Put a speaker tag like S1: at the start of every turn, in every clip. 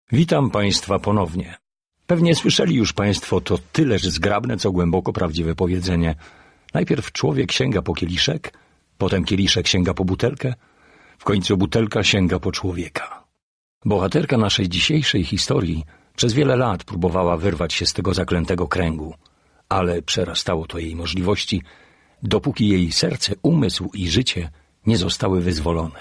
S1: Witam Państwa ponownie. Pewnie słyszeli już Państwo to tyleż zgrabne, co głęboko prawdziwe powiedzenie. Najpierw człowiek sięga po kieliszek, potem kieliszek sięga po butelkę, w końcu butelka sięga po człowieka. Bohaterka naszej dzisiejszej historii przez wiele lat próbowała wyrwać się z tego zaklętego kręgu, ale przerastało to jej możliwości, dopóki jej serce, umysł i życie nie zostały wyzwolone.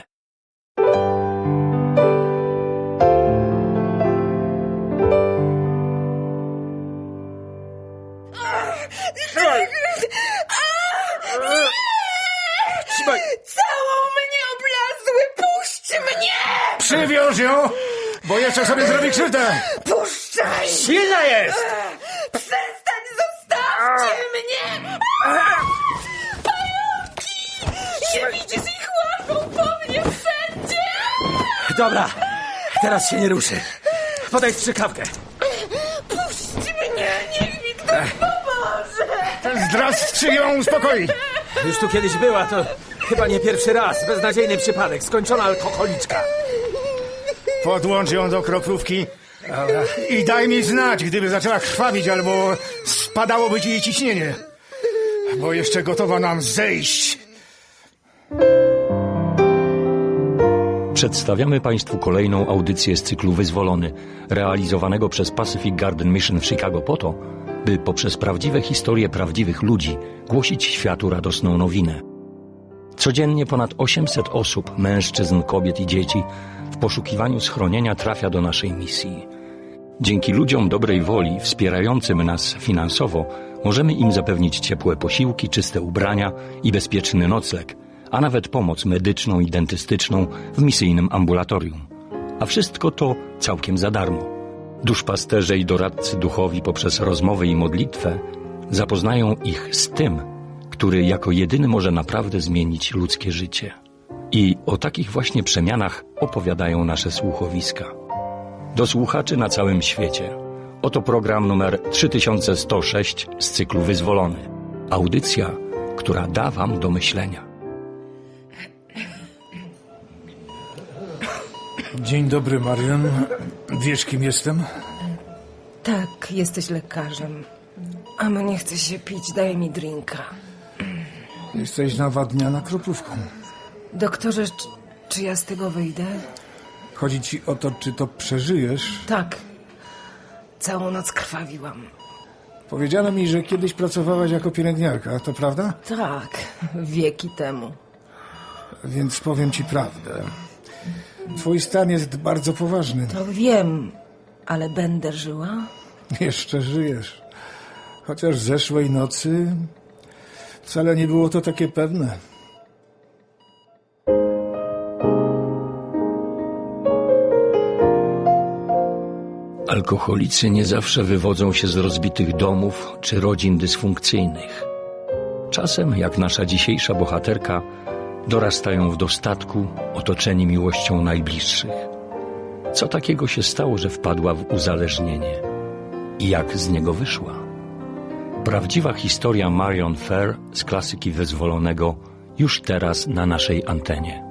S2: Trzymaj!
S3: Całą mnie oblazły! Puść mnie!
S2: Przywiąż ją, bo jeszcze sobie zrobi krzywdę!
S3: Puszczaj!
S2: Silna jest!
S3: Przestań! Zostawcie mnie! Pająki! Nie widzisz ich łapią po mnie wszędzie!
S2: Dobra, teraz się nie ruszy. Podaj strzykawkę.
S3: Puść mnie! Niech mi ktoś pomoże!
S2: Ten zdradcy ją uspokoi. Już tu kiedyś była, to chyba nie pierwszy raz. Beznadziejny przypadek, skończona alkoholiczka. Podłącz ją do kroplówki. Dobra. I daj mi znać, gdyby zaczęła krwawić albo spadałoby ci jej ciśnienie. Bo jeszcze gotowa nam zejść.
S1: Przedstawiamy Państwu kolejną audycję z cyklu Wyzwolony, realizowanego przez Pacific Garden Mission w Chicago po to, by poprzez prawdziwe historie prawdziwych ludzi głosić światu radosną nowinę. Codziennie ponad 800 osób, mężczyzn, kobiet i dzieci w poszukiwaniu schronienia trafia do naszej misji. Dzięki ludziom dobrej woli, wspierającym nas finansowo, możemy im zapewnić ciepłe posiłki, czyste ubrania i bezpieczny nocleg, a nawet pomoc medyczną i dentystyczną w misyjnym ambulatorium. A wszystko to całkiem za darmo. Duszpasterze i doradcy duchowi poprzez rozmowy i modlitwę zapoznają ich z tym, który jako jedyny może naprawdę zmienić ludzkie życie. I o takich właśnie przemianach opowiadają nasze słuchowiska. Do słuchaczy na całym świecie. Oto program numer 3106 z cyklu Wyzwolony. Audycja, która da Wam do myślenia.
S2: Dzień dobry, Marion. Wiesz, kim jestem?
S3: Tak, jesteś lekarzem. A mnie chce się pić, daj mi drinka.
S2: Jesteś nawadniana kroplówką.
S3: Doktorze, czy ja z tego wyjdę?
S2: Chodzi ci o to, czy to przeżyjesz?
S3: Tak. Całą noc krwawiłam.
S2: Powiedziano mi, że kiedyś pracowałaś jako pielęgniarka, to prawda?
S3: Tak, wieki temu.
S2: Więc powiem ci prawdę. Twój stan jest bardzo poważny.
S3: To wiem, ale będę żyła?
S2: Jeszcze żyjesz. Chociaż zeszłej nocy wcale nie było to takie pewne.
S1: Alkoholicy nie zawsze wywodzą się z rozbitych domów czy rodzin dysfunkcyjnych. Czasem, jak nasza dzisiejsza bohaterka, dorastają w dostatku, otoczeni miłością najbliższych. Co takiego się stało, że wpadła w uzależnienie? I jak z niego wyszła? Prawdziwa historia Marion Fair z klasyki Wyzwolonego już teraz na naszej antenie.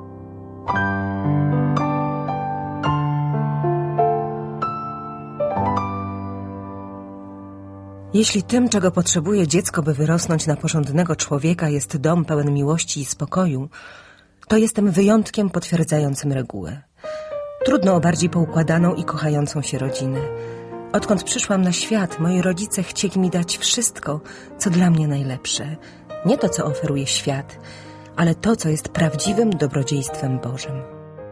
S3: Jeśli tym, czego potrzebuje dziecko, by wyrosnąć na porządnego człowieka, jest dom pełen miłości i spokoju, to jestem wyjątkiem potwierdzającym regułę. Trudno o bardziej poukładaną i kochającą się rodzinę. Odkąd przyszłam na świat, moi rodzice chcieli mi dać wszystko, co dla mnie najlepsze. Nie to, co oferuje świat, ale to, co jest prawdziwym dobrodziejstwem Bożym.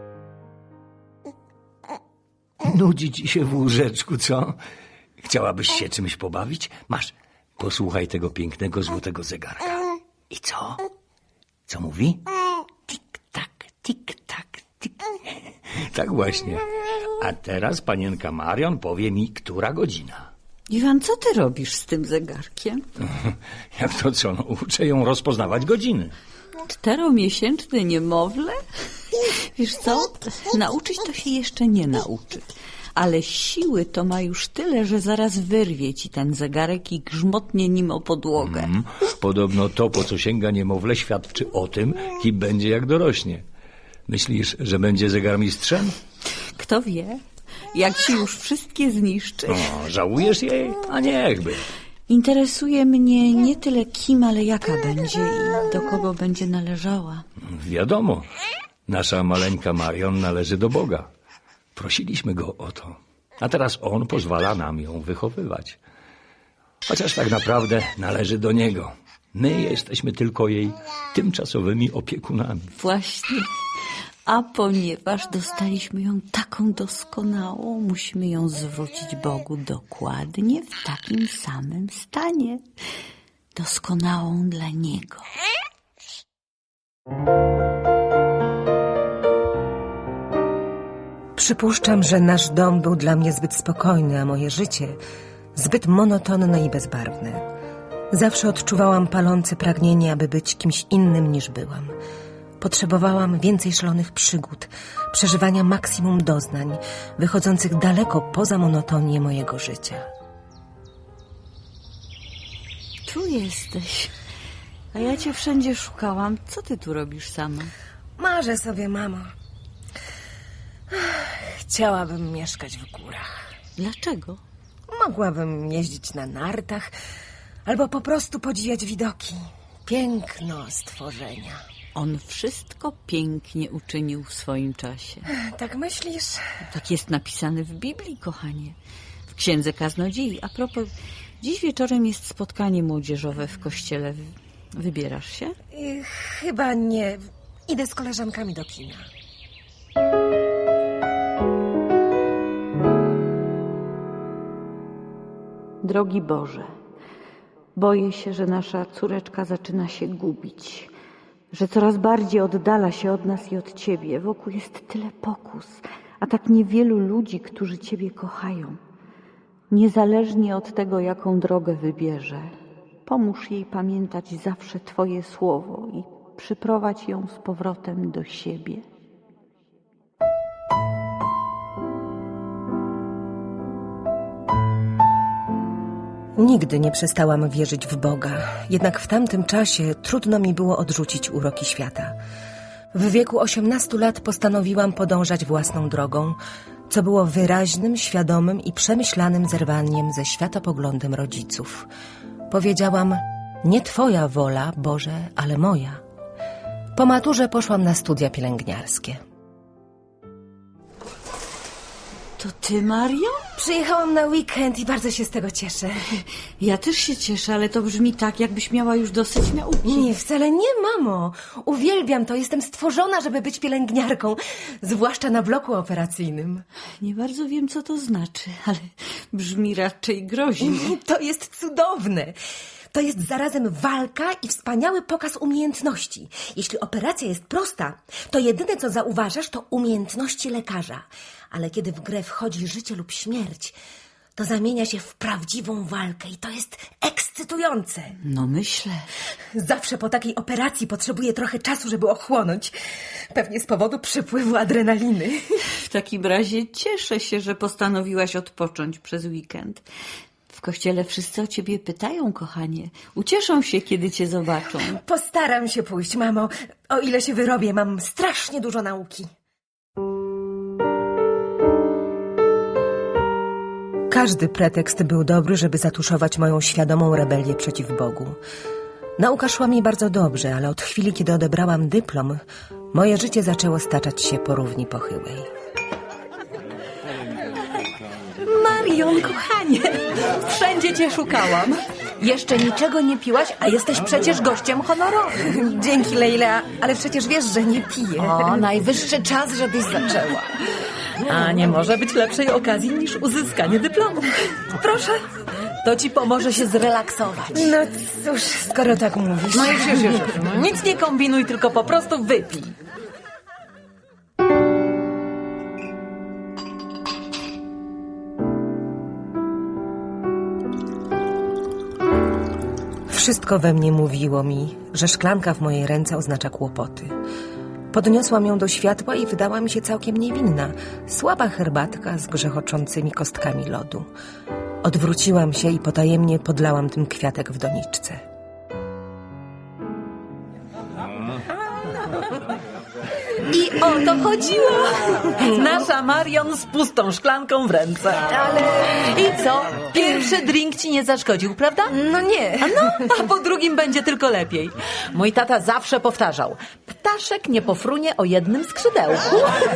S1: Nudzi ci się w łóżeczku, co? Chciałabyś się czymś pobawić? Masz, posłuchaj tego pięknego, złotego zegarka. I co? Co mówi? Tik-tak, tik-tak, tik. Tak właśnie. A teraz panienka Marion powie mi, która godzina.
S4: Iwan, co ty robisz z tym zegarkiem?
S1: Jak to co? No, uczę ją rozpoznawać godziny.
S4: 4-miesięczne niemowlę? Wiesz co? Nauczyć to się jeszcze nie nauczy. Ale siły to ma już tyle, że zaraz wyrwie ci ten zegarek i grzmotnie nim o podłogę.
S1: Podobno to, po co sięga niemowlę, świadczy o tym, kim będzie jak dorośnie. Myślisz, że będzie zegarmistrzem?
S4: Kto wie? jak ci już wszystkie zniszczy.
S1: O, żałujesz jej? A niechby.
S4: Interesuje mnie nie tyle kim, ale jaka będzie i do kogo będzie należała.
S1: Wiadomo, nasza maleńka Marion należy do Boga. Prosiliśmy go o to, a teraz on pozwala nam ją wychowywać. Chociaż tak naprawdę należy do niego. My jesteśmy tylko jej tymczasowymi opiekunami.
S4: Właśnie. A ponieważ dostaliśmy ją taką doskonałą, musimy ją zwrócić Bogu dokładnie w takim samym stanie. Doskonałą dla Niego.
S3: Przypuszczam, że nasz dom był dla mnie zbyt spokojny, a moje życie zbyt monotonne i bezbarwne. Zawsze odczuwałam palące pragnienie, aby być kimś innym niż byłam. Potrzebowałam więcej szalonych przygód, przeżywania maksimum doznań, wychodzących daleko poza monotonię mojego życia.
S4: Tu jesteś. A ja cię wszędzie szukałam. Co ty tu robisz sama?
S3: Marzę sobie, mamo. Chciałabym mieszkać w górach.
S4: Dlaczego?
S3: Mogłabym jeździć na nartach albo po prostu podziwiać widoki. Piękno stworzenia.
S4: On wszystko pięknie uczynił w swoim czasie.
S3: Tak myślisz?
S4: Tak jest napisane w Biblii, kochanie. W Księdze Kaznodziei. A propos, dziś wieczorem jest spotkanie młodzieżowe w kościele. Wybierasz się?
S3: Chyba nie. Idę z koleżankami do kina.
S4: Drogi Boże, boję się, że nasza córeczka zaczyna się gubić, że coraz bardziej oddala się od nas i od Ciebie. Wokół jest tyle pokus, a tak niewielu ludzi, którzy Ciebie kochają. Niezależnie od tego, jaką drogę wybierze, pomóż jej pamiętać zawsze Twoje słowo i przyprowadź ją z powrotem do siebie.
S3: Nigdy nie przestałam wierzyć w Boga, jednak w tamtym czasie trudno mi było odrzucić uroki świata. W wieku 18 lat postanowiłam podążać własną drogą, co było wyraźnym, świadomym i przemyślanym zerwaniem ze światopoglądem rodziców. Powiedziałam: nie Twoja wola, Boże, ale moja. Po maturze poszłam na studia pielęgniarskie.
S4: To Ty, Mario?
S3: Przyjechałam na weekend i bardzo się z tego cieszę.
S4: Ja też się cieszę, ale to brzmi tak, jakbyś miała już dosyć nauki.
S3: Nie, wcale nie, mamo. Uwielbiam to. Jestem stworzona, żeby być pielęgniarką, zwłaszcza na bloku operacyjnym.
S4: Nie bardzo wiem, co to znaczy, ale brzmi raczej groźnie.
S3: To jest cudowne. To jest zarazem walka i wspaniały pokaz umiejętności. Jeśli operacja jest prosta, to jedyne, co zauważasz, to umiejętności lekarza. Ale kiedy w grę wchodzi życie lub śmierć, to zamienia się w prawdziwą walkę i to jest ekscytujące.
S4: No myślę.
S3: Zawsze po takiej operacji potrzebuję trochę czasu, żeby ochłonąć. Pewnie z powodu przypływu adrenaliny.
S4: W takim razie cieszę się, że postanowiłaś odpocząć przez weekend. W kościele wszyscy o ciebie pytają, kochanie. Ucieszą się, kiedy cię zobaczą.
S3: Postaram się pójść, mamo. O ile się wyrobię, mam strasznie dużo nauki. Każdy pretekst był dobry, żeby zatuszować moją świadomą rebelię przeciw Bogu. Nauka szła mi bardzo dobrze, ale od chwili, kiedy odebrałam dyplom, moje życie zaczęło staczać się po równi pochyłej.
S5: Marion, kochanie, wszędzie cię szukałam. Jeszcze niczego nie piłaś, a jesteś przecież gościem honorowym.
S3: Dzięki, Leila, ale przecież wiesz, że nie piję.
S5: O, najwyższy czas, żebyś zaczęła. A nie może być lepszej okazji niż uzyskanie dyplomu. Proszę, to ci pomoże się zrelaksować.
S3: No cóż, skoro tak mówisz.
S5: No już. Nic nie kombinuj, tylko po prostu wypij.
S3: Wszystko we mnie mówiło mi, że szklanka w mojej ręce oznacza kłopoty. Podniosłam ją do światła i wydała mi się całkiem niewinna. Słaba herbatka z grzechoczącymi kostkami lodu. Odwróciłam się i potajemnie podlałam tym kwiatek w doniczce.
S5: I o to chodziło. Nasza Marion z pustą szklanką w ręce.
S3: Ale...
S5: I co? Pierwszy drink ci nie zaszkodził, prawda?
S3: No nie.
S5: A po drugim będzie tylko lepiej. Mój tata zawsze powtarzał: ptaszek nie pofrunie o jednym skrzydełku.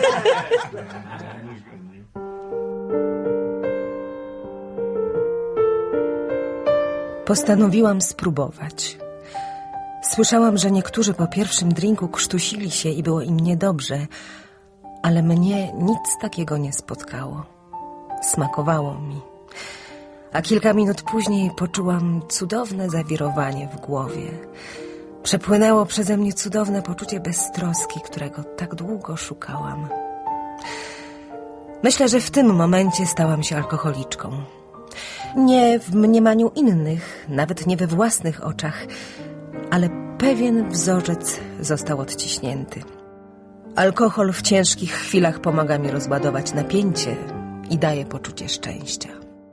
S3: Postanowiłam spróbować. Słyszałam, że niektórzy po pierwszym drinku krztusili się i było im niedobrze, ale mnie nic takiego nie spotkało. Smakowało mi. A kilka minut później poczułam cudowne zawirowanie w głowie. Przepłynęło przeze mnie cudowne poczucie beztroski, którego tak długo szukałam. Myślę, że w tym momencie stałam się alkoholiczką. Nie w mniemaniu innych, nawet nie we własnych oczach, ale pewien wzorzec został odciśnięty. Alkohol w ciężkich chwilach pomaga mi rozładować napięcie i daje poczucie szczęścia.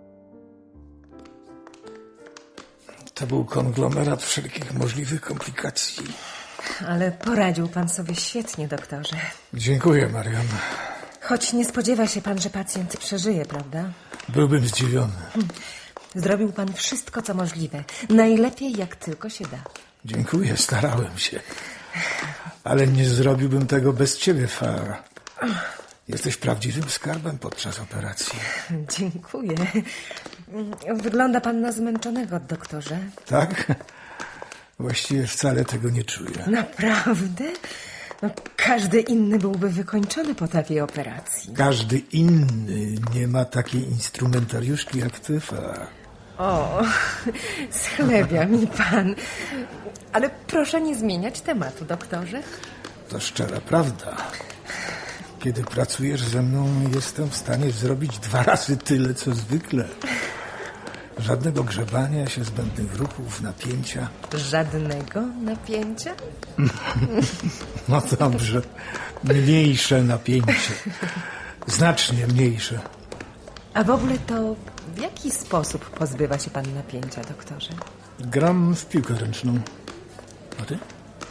S2: To był konglomerat wszelkich możliwych komplikacji.
S3: Ale poradził pan sobie świetnie, doktorze.
S2: Dziękuję, Marion.
S3: Choć nie spodziewa się pan, że pacjent przeżyje, prawda?
S2: Byłbym zdziwiony.
S3: Zrobił pan wszystko, co możliwe. Najlepiej, jak tylko się da.
S2: Dziękuję, starałem się. Ale nie zrobiłbym tego bez ciebie, Farah. Jesteś prawdziwym skarbem podczas operacji.
S3: Dziękuję. Wygląda pan na zmęczonego, doktorze.
S2: Tak? Właściwie wcale tego nie czuję.
S3: Naprawdę? No, każdy inny byłby wykończony po takiej operacji.
S2: Każdy inny nie ma takiej instrumentariuszki jak ty, Farah.
S3: O, schlebia mi pan. Ale proszę nie zmieniać tematu, doktorze.
S2: To szczera prawda. Kiedy pracujesz ze mną, jestem w stanie zrobić 2 razy tyle, co zwykle. Żadnego grzebania się, zbędnych ruchów, napięcia.
S3: Żadnego napięcia?
S2: No dobrze. Mniejsze napięcie. Znacznie mniejsze.
S3: A w ogóle to w jaki sposób pozbywa się pan napięcia, doktorze?
S2: Gram w piłkę ręczną. A ty?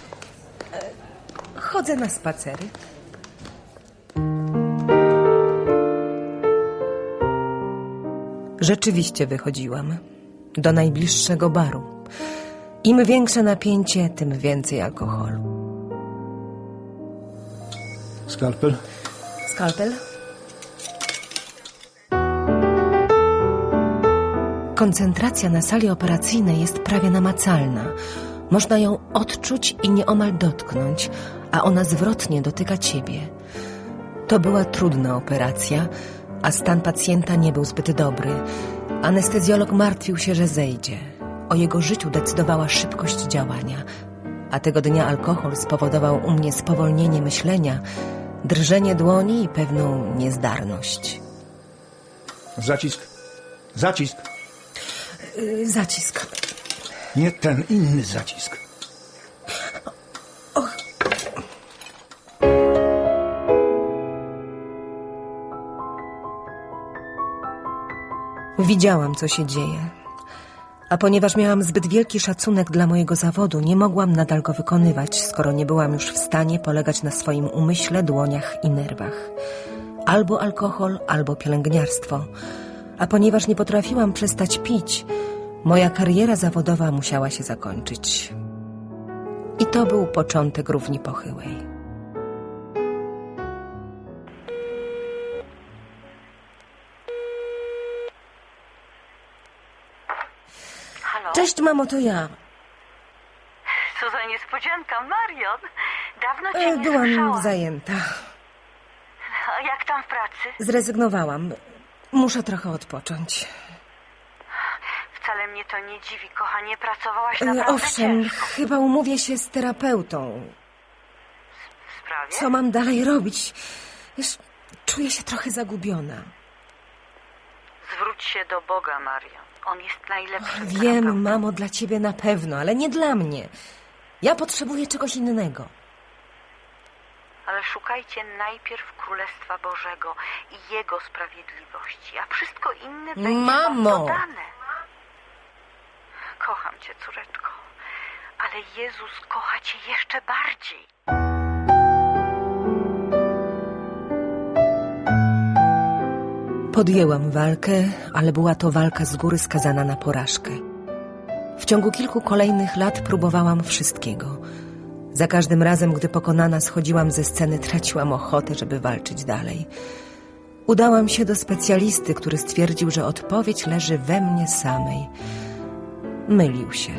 S3: Chodzę na spacery. Rzeczywiście wychodziłam do najbliższego baru. Im większe napięcie, tym więcej alkoholu.
S2: Skalpel?
S3: Skalpel? Koncentracja na sali operacyjnej jest prawie namacalna. Można ją odczuć i nieomal dotknąć, a ona zwrotnie dotyka ciebie. To była trudna operacja, a stan pacjenta nie był zbyt dobry. Anestezjolog martwił się, że zejdzie. O jego życiu decydowała szybkość działania, a tego dnia alkohol spowodował u mnie spowolnienie myślenia, drżenie dłoni i pewną niezdarność.
S2: Zacisk. Zacisk.
S3: Zacisk.
S2: Nie ten, inny zacisk.
S3: Widziałam, co się dzieje. A ponieważ miałam zbyt wielki szacunek dla mojego zawodu, nie mogłam nadal go wykonywać, skoro nie byłam już w stanie polegać na swoim umyśle, dłoniach i nerwach. Albo alkohol, albo pielęgniarstwo. A ponieważ nie potrafiłam przestać pić, moja kariera zawodowa musiała się zakończyć. I to był początek równi pochyłej.
S6: Halo?
S3: Cześć, mamo, to ja.
S6: Co za niespodzianka, Marion. Dawno cię nie
S3: Byłam
S6: słyszałam.
S3: zajęta.
S6: A jak tam w pracy?
S3: Zrezygnowałam. Muszę trochę odpocząć.
S6: Wcale mnie to nie dziwi, kochanie. Pracowałaś naprawdę
S3: Owszem,
S6: ciężko.
S3: chyba umówię się z terapeutą.
S6: W sprawie?
S3: Co mam dalej robić? Wiesz, czuję się trochę zagubiona.
S6: Zwróć się do Boga, Marion. On jest najlepszym terapeutą.
S3: Wiem, mamo, dla ciebie na pewno, ale nie dla mnie. Ja potrzebuję czegoś innego.
S6: Ale szukajcie najpierw Królestwa Bożego i Jego sprawiedliwości, a wszystko inne będzie wam
S3: Mamo!
S6: dodane. Kocham cię, córeczko, ale Jezus kocha cię jeszcze bardziej.
S3: Podjęłam walkę, ale była to walka z góry skazana na porażkę. W ciągu kilku kolejnych lat próbowałam wszystkiego. Za każdym razem, gdy pokonana schodziłam ze sceny, traciłam ochotę, żeby walczyć dalej. Udałam się do specjalisty, który stwierdził, że odpowiedź leży we mnie samej. Mylił się.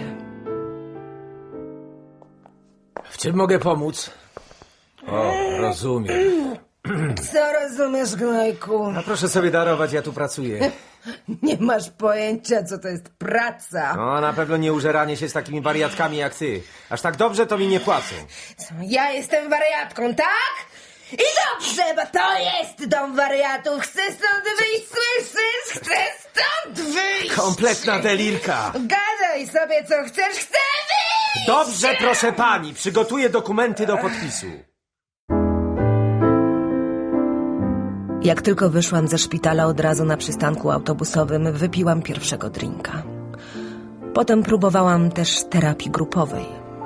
S2: W czym mogę pomóc? O, rozumiem.
S3: Co rozumiesz, gnojku?
S2: A proszę sobie darować, ja tu pracuję.
S3: Nie masz pojęcia, co to jest praca.
S2: No, na pewno nie użeranie się z takimi wariatkami jak ty. Aż tak dobrze to mi nie płacą.
S3: Co, ja jestem wariatką, tak? I dobrze, bo to jest dom wariatów. Chcę stąd wyjść, słyszysz? Chcę stąd wyjść!
S2: Kompletna delirka.
S3: Gadaj sobie, co chcesz, chcę wyjść!
S2: Dobrze, proszę pani, przygotuję dokumenty do podpisu.
S3: Jak tylko wyszłam ze szpitala, od razu na przystanku autobusowym wypiłam pierwszego drinka. Potem próbowałam też terapii grupowej.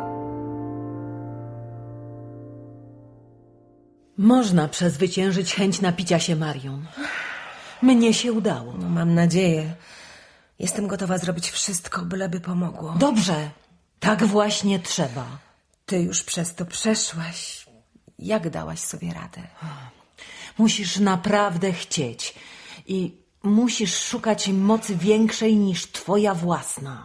S5: Można przezwyciężyć chęć napicia się Marion. Mnie się udało.
S3: No, mam nadzieję. Jestem gotowa zrobić wszystko, byleby pomogło.
S5: Dobrze, tak właśnie trzeba.
S3: Ty już przez to przeszłaś. Jak dałaś sobie radę?
S5: Musisz naprawdę chcieć i musisz szukać mocy większej niż twoja własna.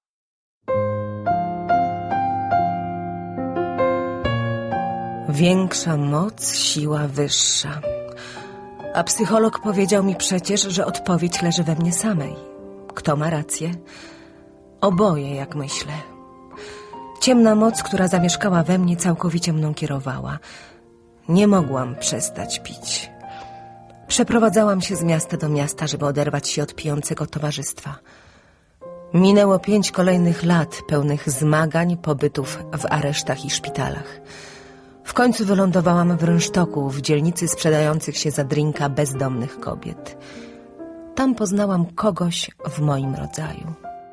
S3: Większa moc, siła wyższa. A psycholog powiedział mi przecież, że odpowiedź leży we mnie samej. Kto ma rację? Oboje, jak myślę. Ciemna moc, która zamieszkała we mnie, całkowicie mną kierowała. Nie mogłam przestać pić. Przeprowadzałam się z miasta do miasta, żeby oderwać się od pijącego towarzystwa. Minęło 5 kolejnych lat, pełnych zmagań, pobytów w aresztach i szpitalach. W końcu wylądowałam w rynsztoku, w dzielnicy sprzedających się za drinka bezdomnych kobiet. Tam poznałam kogoś w moim rodzaju.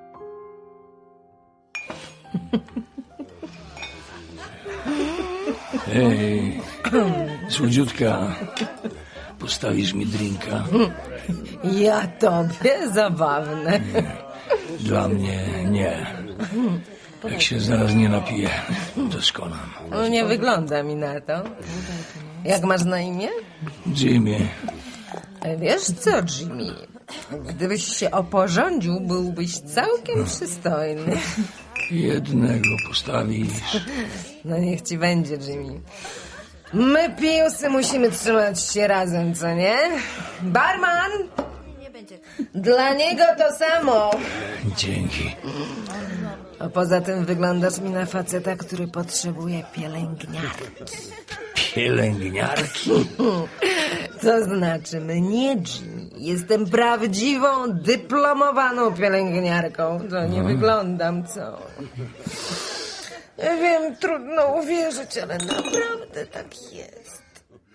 S1: Hej, słodziutka, postawisz mi drinka?
S3: Ja tobie? Zabawne.
S1: Dla mnie nie. Jak się zaraz nie napiję, to skonam.
S3: No, nie wygląda mi na to. Jak masz na imię?
S1: Jimmy,
S3: Wiesz co, Jimmy? Gdybyś się oporządził, byłbyś całkiem przystojny.
S1: jednego postawisz.
S3: No niech ci będzie, Jimmy. My, pijusy, musimy trzymać się razem, co nie? Barman! Dla niego to samo.
S1: Dzięki.
S3: A poza tym wyglądasz mi na faceta, który potrzebuje pielęgniarki.
S1: Pielęgniarki?
S3: To znaczy mnie, Jimmy. Jestem prawdziwą, dyplomowaną pielęgniarką. To nie wyglądam, co? Ja wiem, trudno uwierzyć, ale naprawdę tak jest.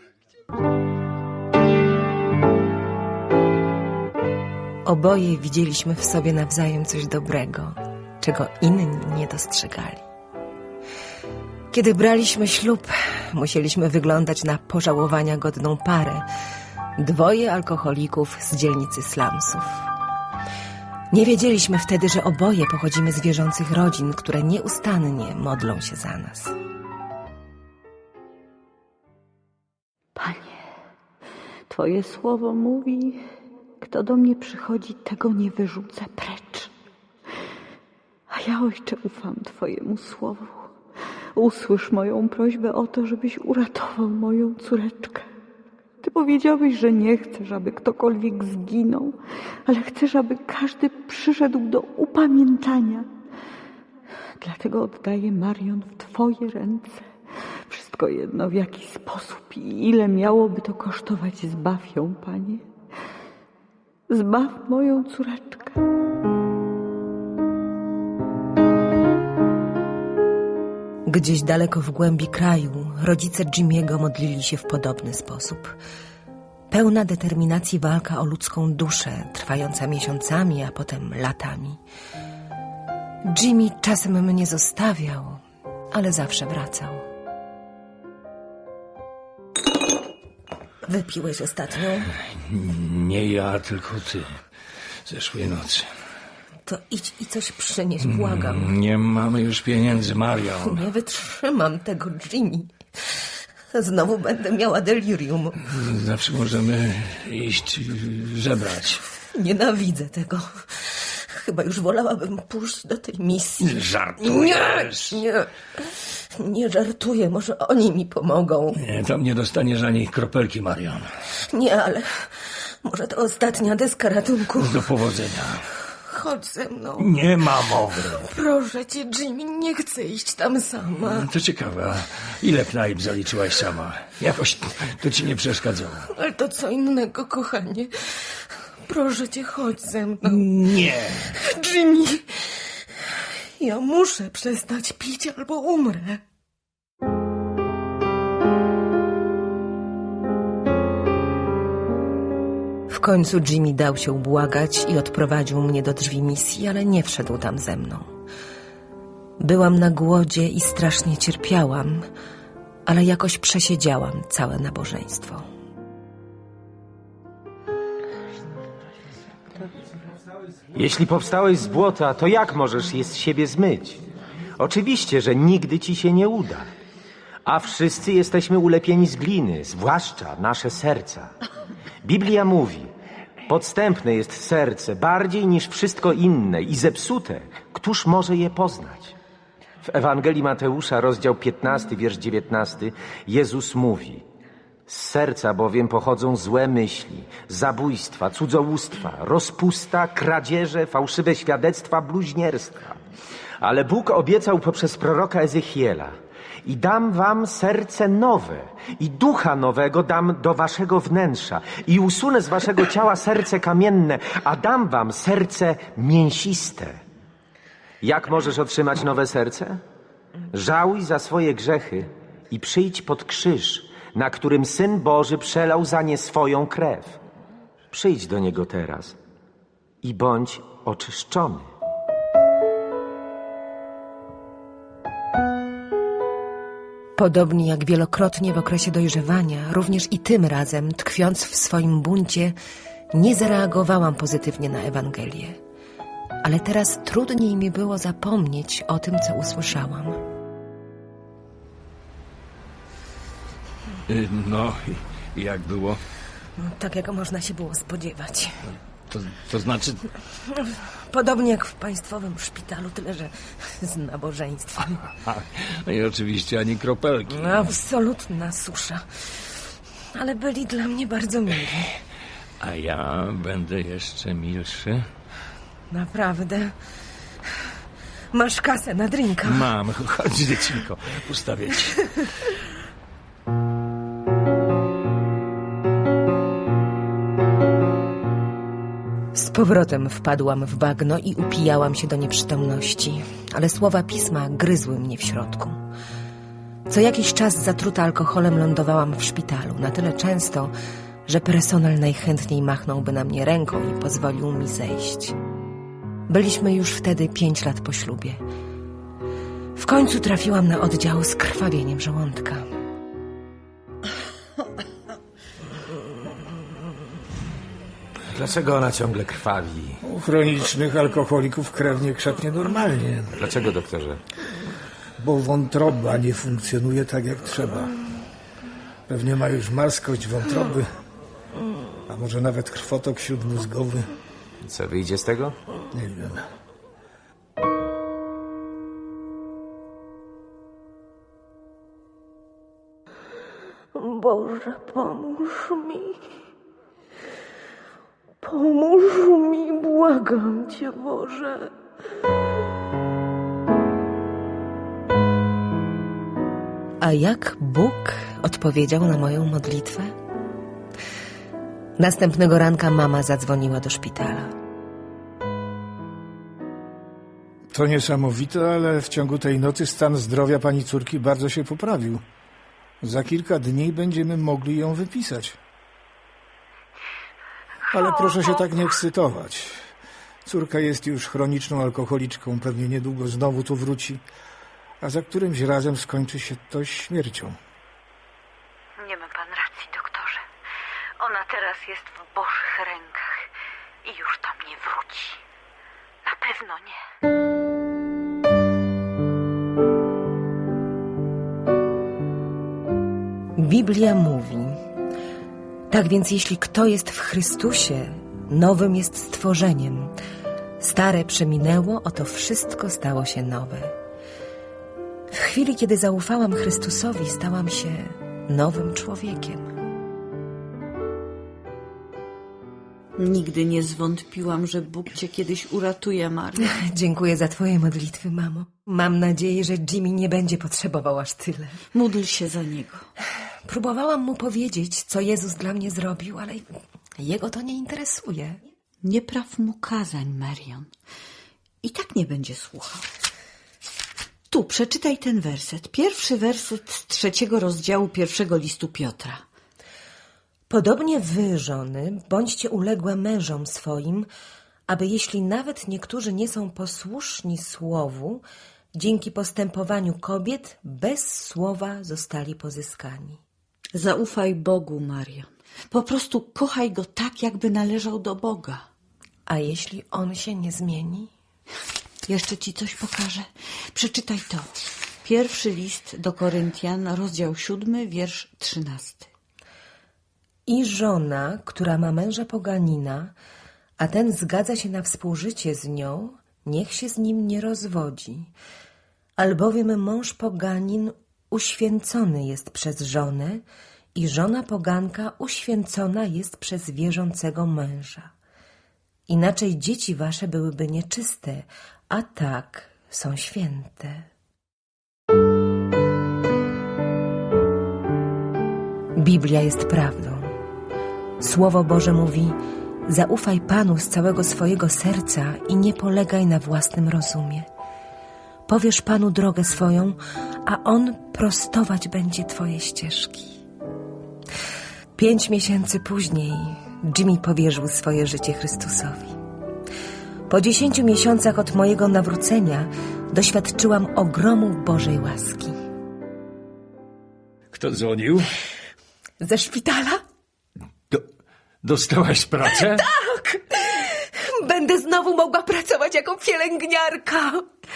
S3: Oboje widzieliśmy w sobie nawzajem coś dobrego, czego inni nie dostrzegali. Kiedy braliśmy ślub, musieliśmy wyglądać na pożałowania godną parę. 2 alkoholików z dzielnicy slumsów. Nie wiedzieliśmy wtedy, że oboje pochodzimy z wierzących rodzin, które nieustannie modlą się za nas.
S4: Panie, Twoje słowo mówi, kto do mnie przychodzi, tego nie wyrzucę precz. A ja, Ojcze, ufam Twojemu słowu. Usłysz moją prośbę o to, żebyś uratował moją córeczkę. Ty powiedziałeś, że nie chcesz, aby ktokolwiek zginął, ale chcesz, aby każdy przyszedł do upamiętania. Dlatego oddaję Marion w Twoje ręce. Wszystko jedno, w jaki sposób i ile miałoby to kosztować. Zbaw ją, Panie. Zbaw moją córeczkę.
S3: Gdzieś daleko w głębi kraju rodzice Jimmy'ego modlili się w podobny sposób. Pełna determinacji walka o ludzką duszę, trwająca miesiącami, a potem latami. Jimmy czasem mnie zostawiał, ale zawsze wracał. wypiłeś ostatnio?
S1: Nie ja, tylko ty. Zeszłej nocy.
S3: To idź i coś przynieś, błagam.
S1: Nie mamy już pieniędzy, Marian.
S3: Nie wytrzymam tego, Jimmy. Znowu będę miała delirium.
S1: Zawsze możemy iść żebrać.
S3: Nienawidzę tego. Chyba już wolałabym pójść do tej misji.
S1: Żartujesz?
S3: Nie żartuję. Może oni mi pomogą.
S1: Nie, tam nie dostaniesz ani kropelki, Marian.
S3: Nie, ale może to ostatnia deska ratunku.
S1: Do powodzenia.
S3: Chodź ze mną.
S1: Nie ma mowy.
S3: Proszę cię, Jimmy, nie chcę iść tam sama.
S1: To ciekawe, a ile knajp zaliczyłaś sama? Jakoś to ci nie przeszkadzało.
S3: Ale to co innego, kochanie. Proszę cię, chodź ze mną.
S1: Nie.
S3: Jimmy, ja muszę przestać pić albo umrę. W końcu Jimmy dał się ubłagać i odprowadził mnie do drzwi misji, ale nie wszedł tam ze mną. Byłam na głodzie i strasznie cierpiałam, ale jakoś przesiedziałam całe nabożeństwo.
S2: Jeśli powstałeś z błota, to jak możesz je z siebie zmyć? Oczywiście, że nigdy ci się nie uda. A wszyscy jesteśmy ulepieni z gliny, zwłaszcza nasze serca. Biblia mówi, podstępne jest serce bardziej niż wszystko inne i zepsute, któż może je poznać? W Ewangelii Mateusza, rozdział 15, wiersz 19, Jezus mówi: z serca bowiem pochodzą złe myśli, zabójstwa, cudzołóstwa, rozpusta, kradzieże, fałszywe świadectwa, bluźnierstwa. Ale Bóg obiecał poprzez proroka Ezechiela: i dam wam serce nowe i ducha nowego dam do waszego wnętrza i usunę z waszego ciała serce kamienne, a dam wam serce mięsiste. Jak możesz otrzymać nowe serce? Żałuj za swoje grzechy i przyjdź pod krzyż, na którym Syn Boży przelał za nie swoją krew. Przyjdź do Niego teraz i bądź oczyszczony.
S3: Podobnie jak wielokrotnie w okresie dojrzewania, również i tym razem, tkwiąc w swoim buncie, nie zareagowałam pozytywnie na Ewangelię. Ale teraz trudniej mi było zapomnieć o tym, co usłyszałam.
S1: No, i jak było?
S3: Tak, jak można się było spodziewać.
S1: To znaczy...
S3: Podobnie jak w państwowym szpitalu, tyle że z nabożeństwem.
S1: No i oczywiście ani kropelki.
S3: Absolutna susza. Ale byli dla mnie bardzo mili.
S1: A ja będę jeszcze milszy.
S3: Naprawdę. Masz kasę na drinka?
S1: Mam, chodź dziecinko, ustawię ci.
S3: Z powrotem wpadłam w bagno i upijałam się do nieprzytomności, ale słowa pisma gryzły mnie w środku. Co jakiś czas zatruta alkoholem lądowałam w szpitalu, na tyle często, że personel najchętniej machnąłby na mnie ręką i pozwolił mi zejść. Byliśmy już wtedy 5 lat po ślubie. W końcu trafiłam na oddział z krwawieniem żołądka.
S2: Dlaczego ona ciągle krwawi?
S7: U chronicznych alkoholików krew nie krzepnie normalnie,
S2: Dlaczego, doktorze?
S7: bo wątroba nie funkcjonuje tak jak trzeba. Pewnie ma już marskość wątroby, a może nawet krwotok śródmózgowy.
S2: Co wyjdzie z tego?
S7: Nie wiem.
S3: Boże, pomóż mi. Pomóż mi, błagam Cię, Boże. A jak Bóg odpowiedział na moją modlitwę? Następnego ranka mama zadzwoniła do szpitala.
S7: To niesamowite, ale w ciągu tej nocy stan zdrowia pani córki bardzo się poprawił. Za kilka dni będziemy mogli ją wypisać. Ale proszę się tak nie ekscytować. Córka jest już chroniczną alkoholiczką, pewnie niedługo znowu tu wróci, a za którymś razem skończy się to śmiercią.
S6: Nie ma pan racji, doktorze. jest w Bożych rękach i już tam nie wróci. Na pewno nie.
S3: Biblia mówi: tak więc jeśli kto jest w Chrystusie, nowym jest stworzeniem. Stare przeminęło, oto wszystko stało się nowe. W chwili, kiedy zaufałam Chrystusowi, stałam się nowym człowiekiem.
S4: Nigdy nie zwątpiłam, że Bóg cię kiedyś uratuje, Mario.
S3: Dziękuję za twoje modlitwy, mamo. Mam nadzieję, że Jimmy nie będzie potrzebował aż tyle.
S4: Módl się za niego.
S3: Próbowałam mu powiedzieć, co Jezus dla mnie zrobił, ale jego to nie interesuje.
S4: Nie praw mu kazań, Marion. I tak nie będzie słuchał. Tu, przeczytaj ten werset. Pierwszy werset z 3 rozdziału 1 listu Piotra.
S3: Podobnie wy, żony, bądźcie uległe mężom swoim, aby jeśli nawet niektórzy nie są posłuszni słowu, dzięki postępowaniu kobiet bez słowa zostali pozyskani.
S4: Zaufaj Bogu, Marion. Po prostu kochaj Go tak, jakby należał do Boga.
S3: A jeśli on się nie zmieni?
S4: Jeszcze ci coś pokażę. Przeczytaj to. 1 list do Koryntian, rozdział 7, wiersz 13.
S3: I żona, która ma męża poganina, a ten zgadza się na współżycie z nią, niech się z nim nie rozwodzi. Albowiem mąż poganin uświęcony jest przez żonę i żona poganka uświęcona jest przez wierzącego męża. Inaczej dzieci wasze byłyby nieczyste, a tak są święte. Biblia jest prawdą. Słowo Boże mówi: zaufaj Panu z całego swojego serca i nie polegaj na własnym rozumie. Powiesz Panu drogę swoją, a On prostować będzie twoje ścieżki. 5 miesięcy później Jimmy powierzył swoje życie Chrystusowi. Po 10 miesiącach od mojego nawrócenia doświadczyłam ogromu Bożej łaski.
S1: Kto dzwonił?
S3: Ze szpitala?
S1: Dostałaś pracę?
S3: Tak! Będę znowu mogła pracować jako pielęgniarka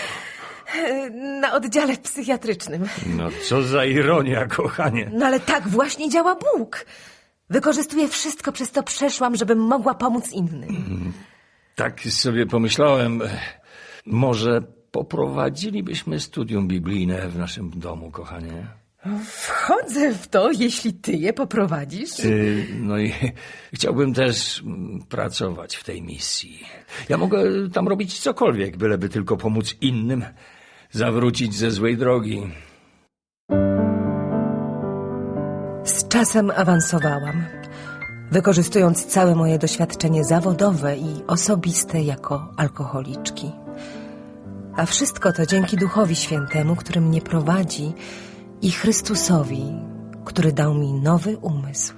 S3: na oddziale psychiatrycznym.
S1: No co za ironia, kochanie.
S3: No ale tak właśnie działa Bóg. Wykorzystuję wszystko, przez co przeszłam, żebym mogła pomóc innym.
S1: Tak sobie pomyślałem, może poprowadzilibyśmy studium biblijne w naszym domu, kochanie.
S3: Wchodzę w to, jeśli ty je poprowadzisz.
S1: No i chciałbym też pracować w tej misji. Ja mogę tam robić cokolwiek, byleby tylko pomóc innym zawrócić ze złej drogi.
S3: Z czasem awansowałam, wykorzystując całe moje doświadczenie zawodowe i osobiste jako alkoholiczki. A wszystko to dzięki Duchowi Świętemu, który mnie prowadzi, i Chrystusowi, który dał mi nowy umysł.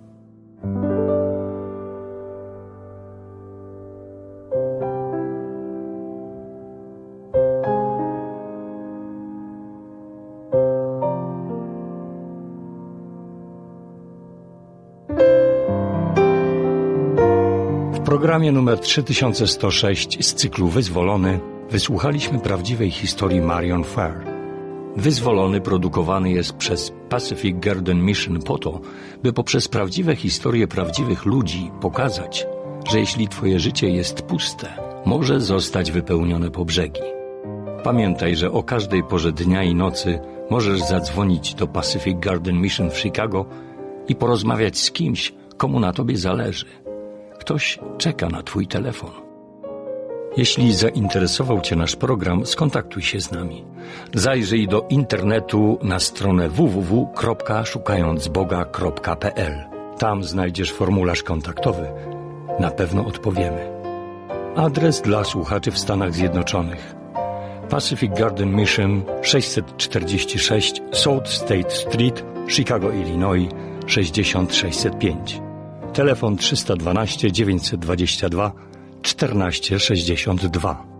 S1: W programie numer 3106 z cyklu Wyzwolony wysłuchaliśmy prawdziwej historii Marion Farr. Wyzwolony produkowany jest przez Pacific Garden Mission po to, by poprzez prawdziwe historie prawdziwych ludzi pokazać, że jeśli twoje życie jest puste, może zostać wypełnione po brzegi. Pamiętaj, że o każdej porze dnia i nocy możesz zadzwonić do Pacific Garden Mission w Chicago i porozmawiać z kimś, komu na tobie zależy. Ktoś czeka na twój telefon. Jeśli zainteresował cię nasz program, skontaktuj się z nami. Zajrzyj do internetu na stronę www.szukającboga.pl. Tam znajdziesz formularz kontaktowy. Na pewno odpowiemy. Adres dla słuchaczy w Stanach Zjednoczonych: Pacific Garden Mission 646 South State Street, Chicago, Illinois 60605. Telefon 312 922 1462.